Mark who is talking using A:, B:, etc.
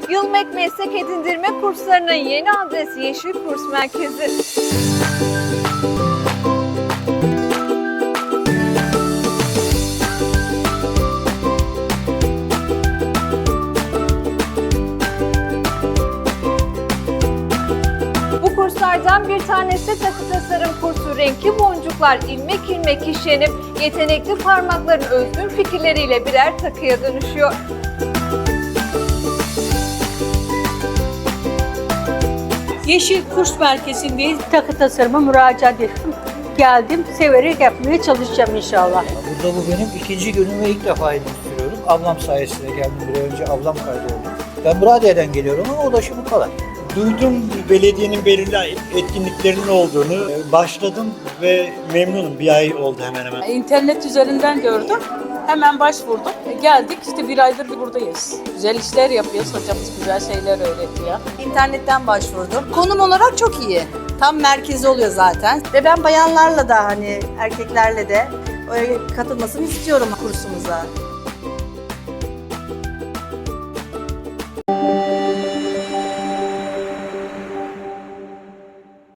A: Yılmek Meslek Edindirme Kurslarının yeni adresi Yeşil Kurs Merkezi. Bu kurslardan bir tanesi takı tasarım kursu. Renkli boncuklar ilmek ilmek işlenip yetenekli parmakların özgün fikirleriyle birer takıya dönüşüyor.
B: Yeşil Kurs Merkezi'ndeyiz. Takı tasarıma müracaat ettim. Geldim, severek yapmaya çalışacağım inşallah.
C: Burada bu benim ikinci günüm ve ilk defa sürüyorum. Ablam sayesinde geldim buraya. Önce ablam kaydoldu. Ben Muradiye'den geliyorum ama ulaşımı kolay.
D: Duydum belediyenin belirli etkinliklerinin olduğunu. Başladım ve memnunum. Bir ay oldu hemen hemen.
B: İnternet üzerinden gördüm. Hemen başvurdum. Geldik, işte bir aydır buradayız. Güzel işler yapıyoruz. Hocamız güzel şeyler öğretiyor.
E: İnternetten başvurdum. Konum olarak çok iyi. Tam merkezi oluyor zaten. Ve ben bayanlarla da erkeklerle de katılmasını istiyorum kursumuza.